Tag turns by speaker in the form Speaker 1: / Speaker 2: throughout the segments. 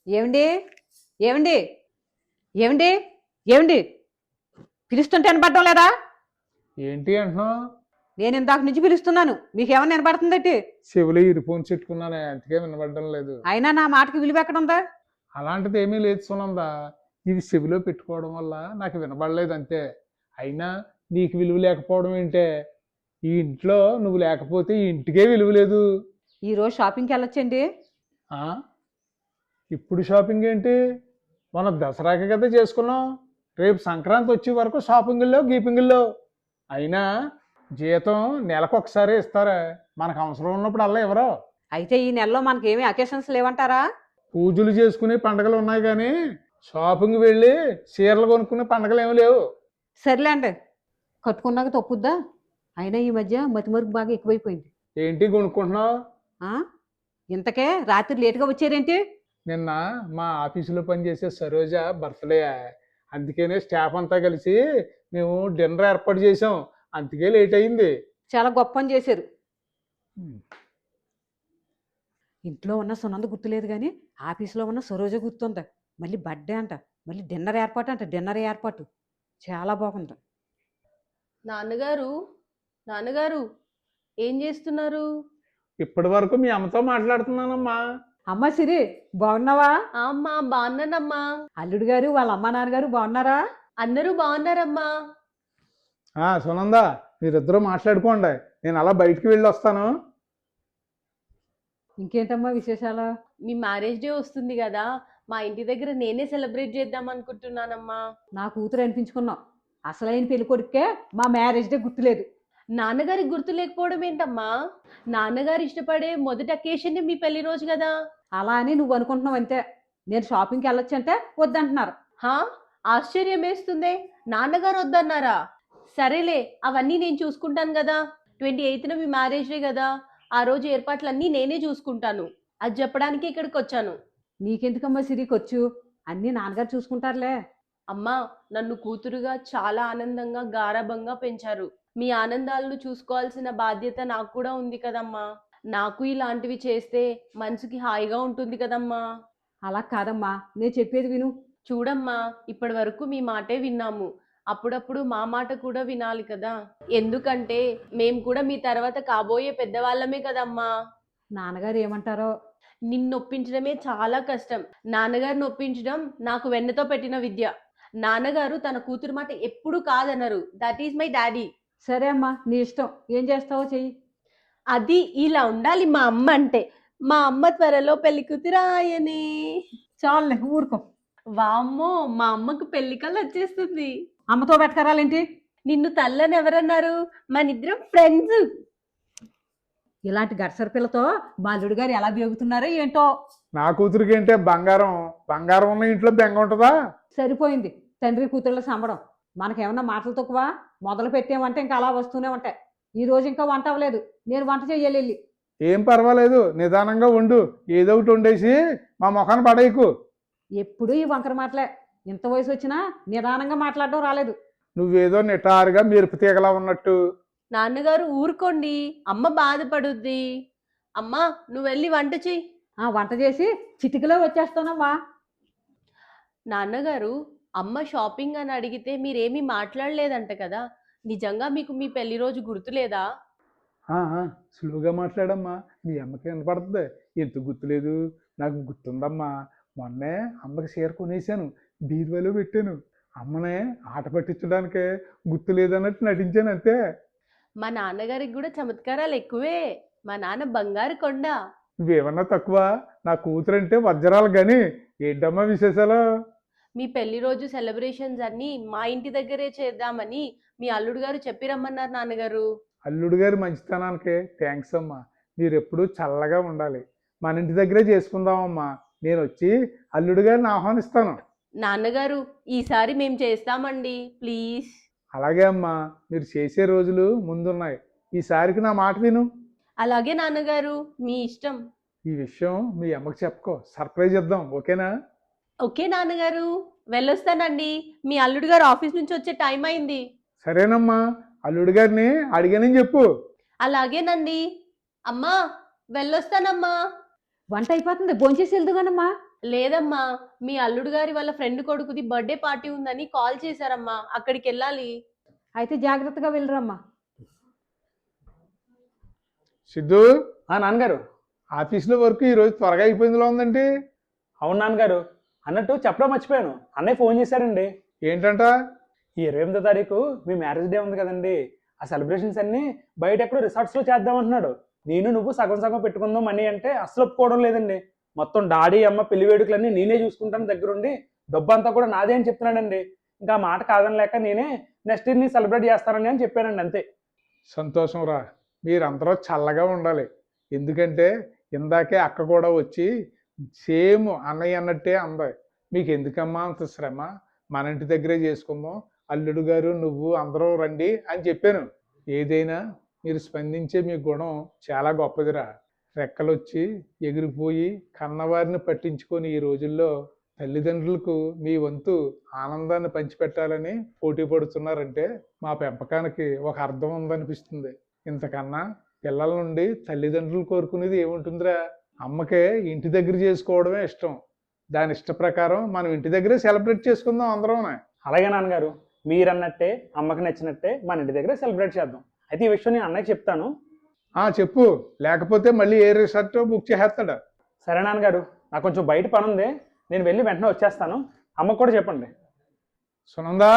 Speaker 1: ఏమండి ఏమండి ఏమండి ఏమండి పిలుస్తుంటే వినపడటం లేదా?
Speaker 2: ఏంటి అంటున్నావు?
Speaker 1: నేను ఇందాక నుంచి పిలుస్తున్నాను, మీకేమన్నా వినపడుతుందటి?
Speaker 2: చెవులు ఇరుపోన్స్ పెట్టుకున్నానే, అందుకే వినబడడం లేదు.
Speaker 1: అయినా నా మాటకి విలువ ఎక్కడుందా?
Speaker 2: అలాంటిది ఏమీ లేదు సునందా. ఇవి చెవిలో పెట్టుకోవడం వల్ల నాకు వినబడలేదు అంతే. అయినా నీకు విలువ లేకపోవడం ఏంటే? ఈ ఇంట్లో నువ్వు లేకపోతే ఈ ఇంటికే విలువ లేదు.
Speaker 1: ఈరోజు షాపింగ్కి వెళ్ళొచ్చండి.
Speaker 2: ఆ ఇప్పుడు షాపింగ్ ఏంటి? మన దసరాకి కదా చేసుకున్నాం. రేపు సంక్రాంతి వచ్చే వరకు షాపింగుల్లో గీపింగుల్లో. అయినా జీతం నెలకు ఒకసారి ఇస్తారా? మనకు అవసరం ఉన్నప్పుడు అలా ఎవరో.
Speaker 1: అయితే ఈ నెలలో మనకేమీ అకేషన్స్ లేవంటారా?
Speaker 2: పూజలు చేసుకునే పండగలు ఉన్నాయి కానీ షాపింగ్ వెళ్ళి చీరలు కొనుక్కునే పండగలు ఏమి లేవు.
Speaker 1: సర్లేండి, కట్టుకున్నాక తప్పుద్దా? అయినా ఈ మధ్య మతిమరుపు బాగా ఎక్కువైపోయింది.
Speaker 2: ఏంటి కొనుక్కుంటున్నావు?
Speaker 1: ఆ ఇంతకే రాత్రి లేటుగా వచ్చారేంటి?
Speaker 2: నిన్న మా ఆఫీసులో పనిచేసే సరోజ బర్త్డే. అందుకనే స్టాఫ్ అంతా కలిసి మేము డిన్నర్ ఏర్పాటు చేసాం. అందుకే లేట్ అయింది.
Speaker 1: చాలా గొప్ప పని చేశారు. ఇంట్లో ఉన్న సునంద గుర్తులేదు కానీ ఆఫీస్లో ఉన్న సరోజ గుర్తుందా? మళ్ళీ బర్త్డే అంట, మళ్ళీ డిన్నర్ ఏర్పాటు అంట. డిన్నర్ ఏర్పాటు చాలా బాగుంది.
Speaker 3: నాన్నగారు నాన్నగారు ఏం చేస్తున్నారు?
Speaker 2: ఇప్పటి వరకు మీ అమ్మతో మాట్లాడుతున్నానమ్మా.
Speaker 1: అమ్మ సిరి, బాగున్నావా?
Speaker 3: అమ్మా బాగున్నానమ్మా.
Speaker 1: అల్లుడు గారు వాళ్ళ అమ్మ నాన్నగారు బాగున్నారా?
Speaker 3: అందరూ బాగున్నారమ్మా.
Speaker 2: సునందా, మీరిద్దరూ మాట్లాడుకోండి, నేను అలా బయటికి వెళ్ళి వస్తాను.
Speaker 1: ఇంకేంటమ్మా విశేషాలు?
Speaker 3: మీ మ్యారేజ్ డే వస్తుంది కదా, మా ఇంటి దగ్గర నేనే సెలబ్రేట్ చేద్దాం అనుకుంటున్నానమ్మా.
Speaker 1: నా కూతురు అనిపించుకున్నావు. అసలైన పెళ్లి కొడుకే మా మ్యారేజ్ డే గుర్తులేదు.
Speaker 3: నాన్నగారికి గుర్తు లేకపోవడం ఏంటమ్మా? నాన్నగారు ఇష్టపడే మొదటి అకేషన్ మీ పెళ్లి రోజు కదా.
Speaker 1: అలా అని నువ్వు అనుకుంటున్నావు అంతే. నేను షాపింగ్కి వెళ్ళొచ్చు అంటే వద్దంటున్నారు.
Speaker 3: హా, ఆశ్చర్యం వేస్తుందే, నాన్నగారు వద్దన్నారా? సరేలే, అవన్నీ నేను చూసుకుంటాను కదా. 28న మీ మ్యారేజ్ డే కదా, ఆ రోజు ఏర్పాట్లన్నీ నేనే చూసుకుంటాను. అది చెప్పడానికి ఇక్కడికి వచ్చాను.
Speaker 1: నీకెందుకమ్మా సిరికి వచ్చు, అన్నీ నాన్నగారు చూసుకుంటారులే.
Speaker 3: అమ్మా, నన్ను కూతురుగా చాలా ఆనందంగా గారాబంగా పెంచారు. మీ ఆనందాలను చూసుకోవాల్సిన బాధ్యత నాకు కూడా ఉంది కదమ్మా. నాకు ఇలాంటివి చేస్తే మనసుకి హాయిగా ఉంటుంది కదమ్మా.
Speaker 1: అలా కాదమ్మా, నేను చెప్పేది విను.
Speaker 3: చూడమ్మా, ఇప్పటి వరకు మీ మాటే విన్నాము. అప్పుడప్పుడు మా మాట కూడా వినాలి కదా. ఎందుకంటే మేము కూడా మీ తర్వాత కాబోయే పెద్దవాళ్ళమే కదమ్మా.
Speaker 1: నాన్నగారు ఏమంటారో.
Speaker 3: నిన్నొప్పించడమే చాలా కష్టం. నాన్నగారిని ఒప్పించడం నాకు వెన్నతో పెట్టిన విద్య. నాన్నగారు తన కూతురు మాట ఎప్పుడూ కాదనరు. That is my daddy.
Speaker 1: సరే అమ్మా, నీ ఇష్టం, ఏం చేస్తావో చెయ్యి.
Speaker 3: అది ఇలా ఉండాలి మా అమ్మ అంటే. మా అమ్మ త్వరలో పెళ్లి కూతురాయనే.
Speaker 1: చాలులే ఊరుకో.
Speaker 3: వామ్మో, మా అమ్మకు పెళ్లి కళ్ళు వచ్చేస్తుంది.
Speaker 1: అమ్మతో పెట్టకరాలేంటి?
Speaker 3: నిన్ను తల్లని ఎవరన్నారు? మనిద్దరం ఫ్రెండ్స్.
Speaker 1: ఇలాంటి గడసర పిల్లతో మా అల్లుడు గారు ఎలా బేగుతున్నారో ఏంటో.
Speaker 2: నా కూతురికి ఏంటే బంగారం? బంగారం ఉన్న ఇంట్లో బెంగ ఉంటుందా?
Speaker 1: సరిపోయింది తండ్రి కూతుళ్ళ సంబడం. మనకేమన్నా మాటలు తక్కువ? మొదలు పెట్టామంటే ఇంకా అలా వస్తూనే ఉంటాయి. ఈ రోజు ఇంకా వంట అవ్వలేదు, నేను వంట చెయ్యాలి వెళ్ళి.
Speaker 2: ఏం పర్వాలేదు, నిదానంగా వండు. ఏదో ఒకటి వండేసి మా ముఖాన్ని పడేయకు.
Speaker 1: ఎప్పుడూ ఈ వంకర మాటలే. ఇంత వయసు వచ్చినా నిదానంగా మాట్లాడడం రాలేదు.
Speaker 2: నువ్వేదో నిటారుగా మెరుపు తీగలా ఉన్నట్టు.
Speaker 3: నాన్నగారు ఊరుకోండి, అమ్మ బాధపడుద్ది. అమ్మా, నువ్వు వెళ్ళి వంట చెయ్యి.
Speaker 1: వంట చేసి చిటికలో వచ్చేస్తానమ్మా.
Speaker 3: నాన్నగారు, అమ్మ షాపింగ్ అని అడిగితే మీరేమీ మాట్లాడలేదంట కదా. నిజంగా మీకు మీ పెళ్లి రోజు గుర్తులేదా?
Speaker 2: స్లోగా మాట్లాడమ్మా, మీ అమ్మకి వినపడుతుంది. ఎందుకు గుర్తులేదు? నాకు గుర్తుందమ్మా. మొన్నే అమ్మకి చీర కొనేసాను, బీరువాలో పెట్టాను. అమ్మనే ఆట పట్టించడానికే గుర్తులేదన్నట్టు నటించాను అంతే.
Speaker 3: మా నాన్నగారికి కూడా చమత్కారాలు ఎక్కువే. మా నాన్న బంగారు కొండ.
Speaker 2: నువ్వేమన్నా తక్కువ? నా కూతురంటే వజ్రాలు కానీ. ఏంటమ్మా విశేషాలు?
Speaker 3: మీ పెళ్లి రోజు సెలబ్రేషన్స్ అన్నీ మా ఇంటి దగ్గరే చేద్దామని మీ అల్లుడు గారు చెప్పి రమ్మన్నారు నాన్నగారు.
Speaker 2: అల్లుడు గారి మంచితనానికి థ్యాంక్స్ అమ్మా. మీరు ఎప్పుడూ చల్లగా ఉండాలి. మన ఇంటి దగ్గరే చేసుకుందామమ్మా. నేను వచ్చి అల్లుడు గారిని ఆహ్వానిస్తాను.
Speaker 3: నాన్నగారు, ఈసారి మేము చేస్తామండి, ప్లీజ్.
Speaker 2: అలాగే అమ్మా, మీరు చేసే రోజులు ముందున్నాయి. ఈసారికి నా మాట విను.
Speaker 3: అలాగే నాన్నగారు, మీ ఇష్టం.
Speaker 2: ఈ విషయం మీ అమ్మకి చెప్పుకో, సర్ప్రైజ్ ఇద్దాం, ఓకేనా?
Speaker 3: ఓకే నాన్నగారు, వెళ్ళొస్తానండి. మీ అల్లుడు గారు ఆఫీస్ నుంచి వచ్చే టైం అయింది.
Speaker 2: సరేనమ్మా, అల్లుడు గారిని అడిగానని చెప్పు.
Speaker 3: అలాగేనండి. అమ్మా, వెళ్ళొస్తానమ్మా.
Speaker 1: వంట అయిపోతుంది, భోంచేసి వెళ్దుగానమ్మా.
Speaker 3: లేదమ్మా, మీ అల్లుడు గారి వాళ్ళ ఫ్రెండ్ కొడుకుది బర్త్డే పార్టీ ఉందని కాల్ చేశారమ్మా, అక్కడికి వెళ్ళాలి.
Speaker 1: అయితే జాగ్రత్తగా వెళ్ళిరమ్మా.
Speaker 2: సిద్ధు,
Speaker 4: నాన్నగారు.
Speaker 2: ఆఫీస్లో వర్క్ ఈరోజు త్వరగా అయిపోయిందిలో ఉందండి.
Speaker 4: అవును నాన్నగారు. అన్నట్టు చెప్పడం మర్చిపోయాను, అన్నయ్య ఫోన్ చేశారండి.
Speaker 2: ఏంటంట?
Speaker 4: ఈ 28వ తారీఖు మీ మ్యారేజ్ డే ఉంది కదండి, ఆ సెలబ్రేషన్స్ అన్ని బయట ఎక్కడో రిసార్ట్స్లో చేద్దాం అంటున్నాడు. నేను నువ్వు సగం సగం పెట్టుకుందాం మనీ అంటే అసలు ఒప్పుకోవడం లేదండి. మొత్తం డాడీ అమ్మ పెళ్లి వేడుకలన్నీ నేనే చూసుకుంటాను దగ్గరుండి, డబ్బు అంతా కూడా నాదే అని చెప్తున్నాడండి. ఇంకా ఆ మాట కాదనలేక నేనే నెక్స్ట్ ఇయర్ని సెలబ్రేట్ చేస్తానని అని చెప్పానండి, అంతే.
Speaker 2: సంతోషం రా, మీరందరూ చల్లగా ఉండాలి. ఎందుకంటే ఇందాకే అక్క కూడా వచ్చి సేమ్ అన్నయ్య అన్నట్టే అంది. మీకు ఎందుకమ్మా అంత శ్రమ, మన ఇంటి దగ్గరే చేసుకుందాం, అల్లుడు గారు నువ్వు అందరూ రండి అని చెప్పాను. ఏదైనా మీరు స్పందించే మీ గుణం చాలా గొప్పదిరా. రెక్కలొచ్చి ఎగిరిపోయి కన్నవారిని పట్టించుకొని ఈ రోజుల్లో తల్లిదండ్రులకు మీ వంతు ఆనందాన్ని పంచిపెట్టాలని పోటీ పడుతున్నారంటే మా పెంపకానికి ఒక అర్థం ఉందనిపిస్తుంది. ఇంతకన్నా పిల్లల నుండి తల్లిదండ్రులు కోరుకునేది ఏముంటుందిరా? అమ్మకే ఇంటి దగ్గర చేసుకోవడమే ఇష్టం. దాని ఇష్ట ప్రకారం మనం ఇంటి దగ్గరే సెలబ్రేట్ చేసుకుందాం అందరం.
Speaker 4: అలాగే నాన్నగారు, మీరన్నట్టే అమ్మకి నచ్చినట్టే మన ఇంటి దగ్గర సెలబ్రేట్ చేద్దాం. అయితే ఈ విషయం నేను అన్నయ్యకి చెప్తాను.
Speaker 2: చెప్పు, లేకపోతే మళ్ళీ ఏ రిసార్ట్ బుక్ చేసేస్తాడా?
Speaker 4: సరే నాన్నగారు, నాకు కొంచెం బయట పని ఉంది, నేను వెళ్ళి వెంటనే వచ్చేస్తాను. అమ్మకు కూడా చెప్పండి.
Speaker 2: సునందా,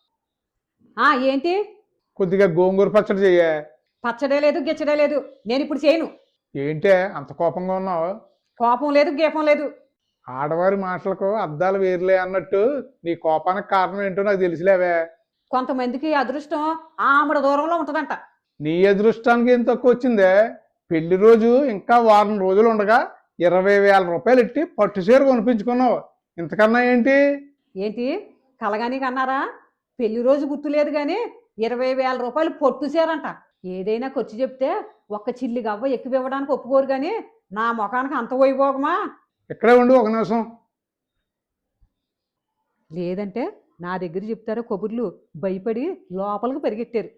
Speaker 1: ఏంటి?
Speaker 2: కొద్దిగా గోంగూర పచ్చడి చెయ్యే.
Speaker 1: పచ్చడే లేదు గిచ్చడే లేదు, నేను ఇప్పుడు చేయను.
Speaker 2: ఏంటే అంత కోపంగా ఉన్నావు?
Speaker 1: కోపం లేదు గీపం లేదు.
Speaker 2: ఆడవారి మాటలకు అర్థాలు వేరులే అన్నట్టు నీ కోపానికి కారణం ఏంటో నాకు తెలిసిలేవే.
Speaker 1: కొంతమందికి అదృష్టం ఆమడ దూరంలో ఉంటుందంట.
Speaker 2: నీ అదృష్టానికి ఏం తక్కువ వచ్చిందే? పెళ్లి రోజు ఇంకా వారం రోజులు ఉండగా 20,000 రూపాయలు ఎట్టి పట్టు చీర కొనిపించుకున్నావు. ఇంతకన్నా ఏంటి?
Speaker 1: ఏంటి కలగాని కన్నారా? పెళ్లి రోజు గుర్తులేదు కానీ 20,000 రూపాయలు పొట్టుసారంట. ఏదైనా ఖర్చు చెప్తే ఒక్క చిల్లి గవ్వ ఎక్కువ ఇవ్వడానికి ఒప్పుకోరు కానీ నా ముఖానికి అంత వైభోగమా?
Speaker 2: ఇక్కడే ఉండి ఒక నిమిషం.
Speaker 1: లేదంటే నా దగ్గర చెప్తారో కబుర్లు భయపడి లోపలికి పరిగెట్టారు.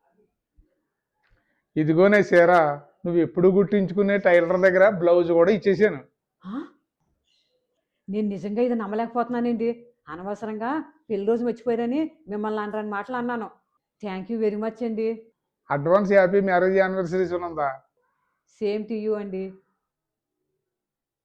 Speaker 2: ఇదిగోనే చీర, నువ్వు ఎప్పుడు గుట్టించుకునే టైలర్ దగ్గర బ్లౌజ్ కూడా ఇచ్చేసాను.
Speaker 1: నేను నిజంగా ఇది నమ్మలేకపోతున్నానండి. అనవసరంగా పెళ్లి రోజు మర్చిపోయారని మిమ్మల్ని అనరాని మాటలు అన్నాను. థ్యాంక్ యూ వెరీ మచ్ అండి.
Speaker 2: Advance happy marriage anniversary Sunanda.
Speaker 1: Same to you అండి.